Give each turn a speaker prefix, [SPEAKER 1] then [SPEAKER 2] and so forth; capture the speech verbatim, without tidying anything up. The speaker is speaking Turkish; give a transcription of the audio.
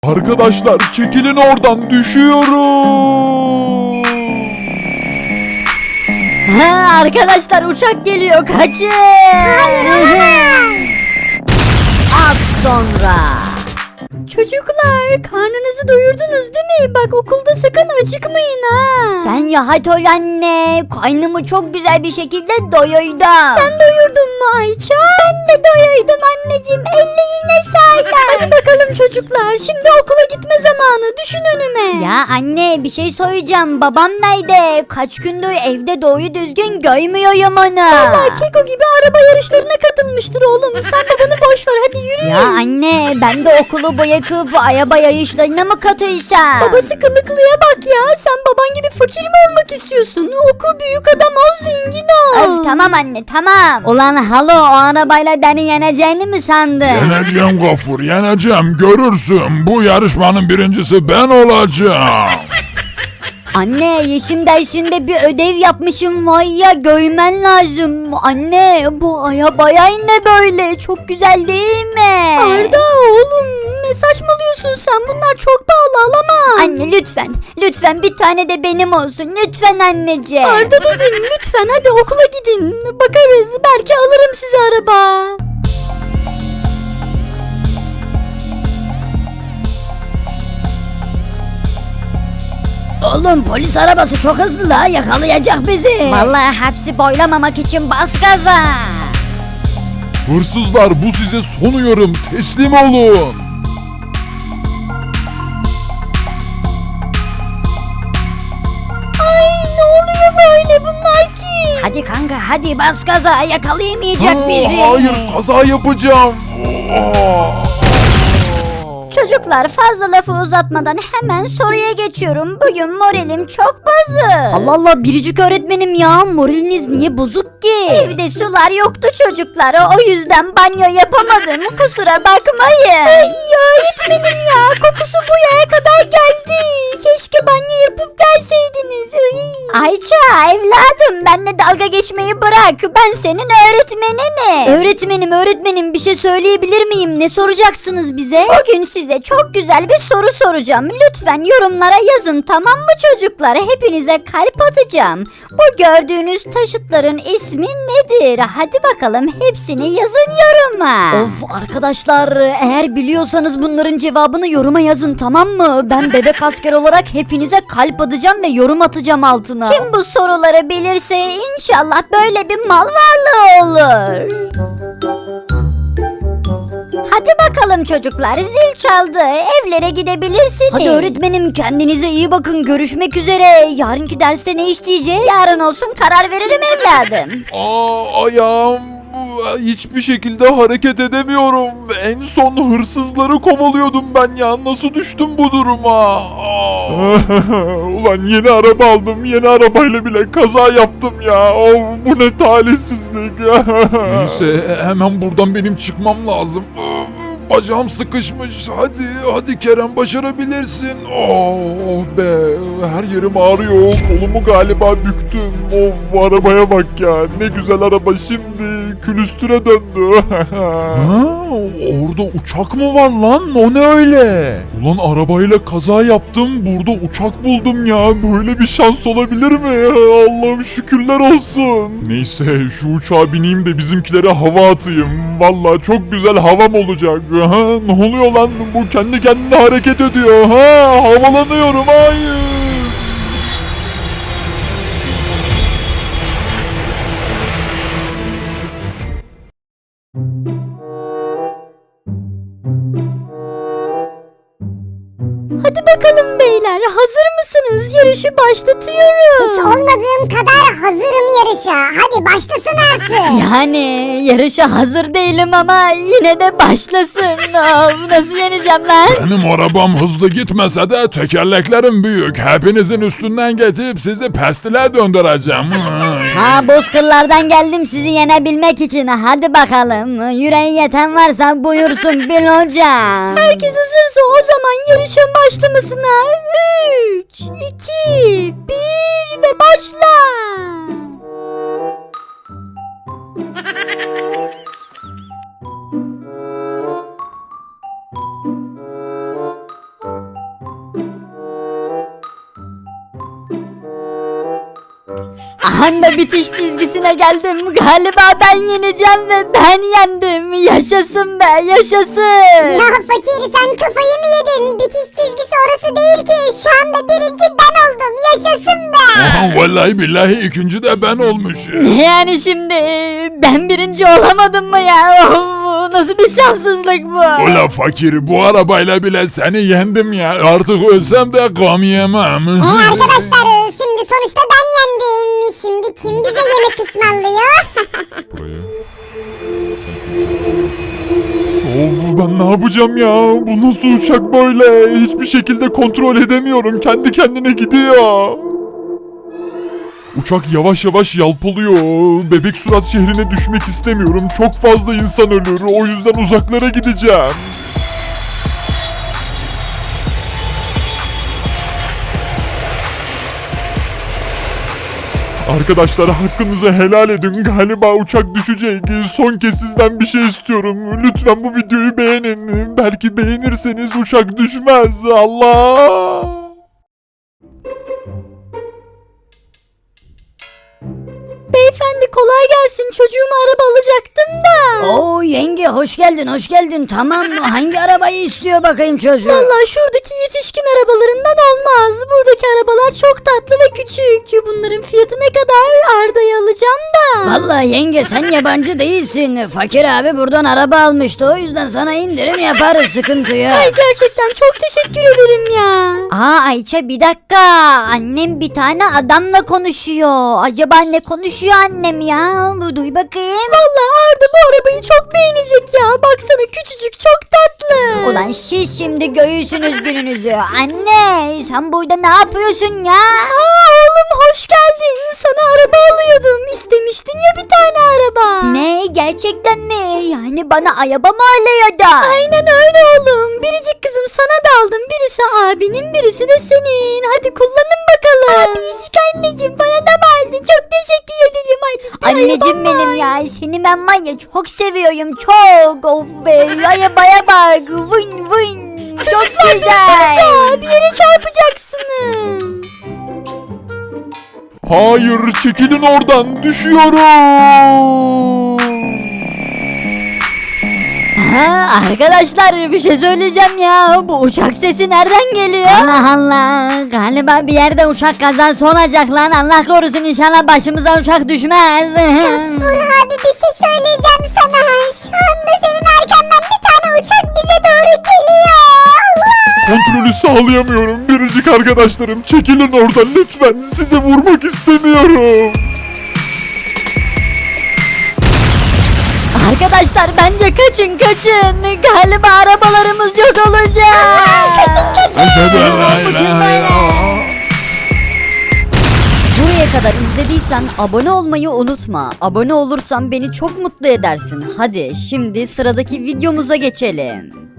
[SPEAKER 1] Arkadaşlar çekilin oradan, düşüyorum.
[SPEAKER 2] Ha, arkadaşlar uçak geliyor, kaçın.
[SPEAKER 3] Hayır olamaz.
[SPEAKER 2] Az sonra. Çocuklar, karnınızı doyurdunuz değil mi? Bak, okulda sakın acıkmayın ha.
[SPEAKER 3] Sen ya hadi ol anne. Karnımı çok güzel bir şekilde doyurdum.
[SPEAKER 2] Sen doyurdun mu Ayça?
[SPEAKER 3] Ben de doyurdum anneciğim. Ellerine sağlık.
[SPEAKER 2] Hadi bakalım çocuklar, şimdi okula gitme zamanı, düşün önüme.
[SPEAKER 3] Ya anne bir şey söyleyeceğim. Babam nerede? Kaç gündür evde doğru düzgün görmüyorum onu.
[SPEAKER 2] Vallahi Keko gibi araba yarışlarına katılmıştır oğlum. Sen babanı boş ver, hadi yürü.
[SPEAKER 3] Ya anne ben de okulu bırakıp araba yarışlarına mı katılsam?
[SPEAKER 2] Babası kılıklıya bak ya. Sen baban gibi fakir mi olmak istiyorsun? Oku, büyük adam ol, zengin ol.
[SPEAKER 3] Öf tamam anne tamam. Ulan halo o arabayla beni yeneceğini mi sandın?
[SPEAKER 1] Yeneceğim Gafur, yeneceğim, görürsün. Bu yarışmanın birincisi ben olacağım.
[SPEAKER 3] Anne yeşim dersinde bir ödev yapmışım var ya görmen lazım. Anne bu arabaya ne böyle çok güzel değil mi?
[SPEAKER 2] Arda oğlum, ne saçmalıyorsun sen? Bunlar çok pahalı, alamam.
[SPEAKER 3] Anne lütfen lütfen bir tane de benim olsun lütfen anneciğim.
[SPEAKER 2] Arda dedim, lütfen hadi okula gidin. Bakarız, belki alırım size araba.
[SPEAKER 3] Oğlum polis arabası çok hızlı la yakalayacak bizi. Vallahi hapsi boylamamak için bas gaza.
[SPEAKER 1] Hırsızlar, bu size son uyarım, teslim olun.
[SPEAKER 2] Ay, ne oluyor böyle, bunlar kim?
[SPEAKER 3] Hadi kanka hadi bas gaza yakalayamayacak
[SPEAKER 1] Ha,
[SPEAKER 3] bizi.
[SPEAKER 1] hayır, kaza yapacağım. Aa!
[SPEAKER 3] Çocuklar fazla lafı uzatmadan hemen soruya geçiyorum. Bugün moralim çok bozuk. Allah Allah biricik öğretmenim ya moraliniz niye bozuk ki? Evde sular yoktu çocuklar o yüzden banyo yapamadım kusura bakmayın.
[SPEAKER 2] Ay öğretmenim ya, kokusu bu yere kadar geldi. Keşke banyo yapıp gelseydiniz. Ay.
[SPEAKER 3] Ayça evladım benle dalga geçmeyi bırak ben senin öğretmeninim. Öğretmenim öğretmenim bir şey söyleyebilir miyim ne soracaksınız bize? Bugün size çok güzel bir soru soracağım lütfen yorumlara yazın tamam mı çocuklar hepinize kalp atacağım. Bu gördüğünüz taşıtların ismi nedir hadi bakalım hepsini yazın yoruma. Of arkadaşlar eğer biliyorsanız bunların cevabını yoruma yazın tamam mı? Ben bebek asker olarak hepinize kalp atacağım ve yorum atacağım altına. Kim bu soruları bilirse inşallah böyle bir mal varlığı olur. Hadi bakalım çocuklar zil çaldı evlere gidebilirsiniz. Hadi öğretmenim kendinize iyi bakın görüşmek üzere. Yarınki derste ne işleyeceğiz? Yarın olsun karar veririm evladım.
[SPEAKER 1] Aa, ayağım hiçbir şekilde hareket edemiyorum. En son hırsızları kovalıyordum ben ya. Nasıl düştüm bu duruma? Aa. Ulan yeni araba aldım. Yeni arabayla bile kaza yaptım ya. Of, bu ne talihsizlik. Neyse hemen buradan benim çıkmam lazım. Bacağım sıkışmış. Hadi hadi Kerem başarabilirsin. Oh, oh be her yerim ağrıyor. Kolumu galiba büktüm. Of bu arabaya bak ya. Ne güzel araba şimdi külüstüre döndü. Ha, orada uçak mı var lan? O ne öyle? Ulan arabayla kaza yaptım. Burada uçak buldum ya. Böyle bir şans olabilir mi? Allah'ım şükürler olsun. Neyse şu uçağa bineyim de bizimkilere hava atayım. Vallahi çok güzel havam olacak. Ha, ne oluyor lan? Bu kendi kendine hareket ediyor. Ha, havalanıyorum. Hayır.
[SPEAKER 2] Hadi bakalım beyler, hazır mısınız? Yarışı başlatıyorum.
[SPEAKER 4] Hiç olmadığım kadar hazırım yarışa. Hadi başlasın artık.
[SPEAKER 2] Yani yarışa hazır değilim ama yine de başlasın. Of, nasıl yeneceğim lan?
[SPEAKER 1] Benim arabam hızlı gitmese de tekerleklerim büyük. Hepinizin üstünden geçip sizi pestile döndüreceğim.
[SPEAKER 3] Ha bozkırlardan geldim sizi yenebilmek için. Hadi bakalım. Yüreği yeten varsa buyursun Bil hocam.
[SPEAKER 2] Herkes hazırsa o zaman yarışın başlamasına üç, iki, bir ve başla. Anda bitiş çizgisine geldim. Galiba ben yeneceğim ve ben yendim. Yaşasın be, yaşasın.
[SPEAKER 4] Ya fakir sen kafayı mı yedin? Bitiş çizgisi orası değil ki. Şu anda birinci ben oldum. Yaşasın be.
[SPEAKER 1] Aha, vallahi billahi ikinci de ben olmuşum.
[SPEAKER 2] Ne yani şimdi? Ben birinci olamadım mı ya? Of, nasıl bir şanssızlık bu?
[SPEAKER 1] Ula fakir bu arabayla bile seni yendim ya. Artık ölsem de gam yemem.
[SPEAKER 4] Ee, arkadaşlar şimdi sonuçta ben yendim. Şimdi kim bize yemek ısmarlıyor?
[SPEAKER 1] Buraya. Of ben ne yapacağım ya? Bu nasıl uçak böyle? Hiçbir şekilde kontrol edemiyorum. Kendi kendine gidiyor. Uçak yavaş yavaş yalpalıyor. Bebek Surat şehrine düşmek istemiyorum. Çok fazla insan ölür. O yüzden uzaklara gideceğim. Arkadaşlar hakkınızı helal edin. Galiba uçak düşecek. Son kez sizden bir şey istiyorum. Lütfen bu videoyu beğenin. Belki beğenirseniz uçak düşmez. Allah!
[SPEAKER 2] Beyefendi kolay gelsin. Çocuğuma araba alacaktım da.
[SPEAKER 3] Oo yenge hoş geldin hoş geldin. Tamam mı? Hangi arabayı istiyor bakayım çocuğu?
[SPEAKER 2] Vallahi şuradaki yetişkin arabalarından olmaz. Buradaki arabalar çok tatlı ve küçük. Bunların fiyatı ne kadar? Arda'yı alacağım da.
[SPEAKER 3] Vallahi yenge sen yabancı değilsin. Fakir abi buradan araba almıştı. O yüzden sana indirim yaparız sıkıntı yok.
[SPEAKER 2] Ay gerçekten çok teşekkür ederim ya.
[SPEAKER 3] Aa Ayça bir dakika. Annem bir tane adamla konuşuyor. Acaba ne konuşuyor annem ya? Bu duy bakayım.
[SPEAKER 2] Vallahi Arda bu arabayı çok beğenecek ya. Baksana küçücük çok tatlı.
[SPEAKER 3] Ulan siz şimdi göğüsünüz gününüzü. Anne sen burada ne yapıyorsun ya?
[SPEAKER 2] Aa oğlum hoş geldin. Sana araba alıyordum. İstemiştin ya bir tane araba.
[SPEAKER 3] Ne gerçekten mi? Yani bana araba mı alıyordu?
[SPEAKER 2] Aynen öyle oğlum. Biricik kızım sana da aldım. Birisi abinin birisi de senin. Hadi kullanın bakalım. Abicik anneciğim bana da mı aldın? Çok teşekkür ederim. Hadi.
[SPEAKER 3] Anneciğim benim ya seni ben var ya çok seviyorum çok. Of be arabaya bak. Vın vın. Çok güzel.
[SPEAKER 2] Bir yere çarpacaksınız.
[SPEAKER 1] Hayır çekilin oradan. Düşüyorum.
[SPEAKER 2] Ha, arkadaşlar bir şey söyleyeceğim ya. Bu uçak sesi nereden geliyor?
[SPEAKER 3] Allah Allah galiba bir yerde uçak kazası olacak lan. Allah korusun inşallah başımıza uçak düşmez.
[SPEAKER 4] Dur abi bir şey söyleyeceğim sana. Şu anda senin arkandan bir tane uçak bize doğru geliyor. Allah!
[SPEAKER 1] Kontrolü sağlayamıyorum. Biricik arkadaşlarım çekilin oradan lütfen. Size vurmak istemiyorum.
[SPEAKER 2] Arkadaşlar bence kaçın kaçın. Galiba arabalarımız yok olacak.
[SPEAKER 4] Kaçın kaçın.
[SPEAKER 2] Buraya kadar izlediysen abone olmayı unutma. Abone olursan beni çok mutlu edersin. Hadi şimdi sıradaki videomuza geçelim.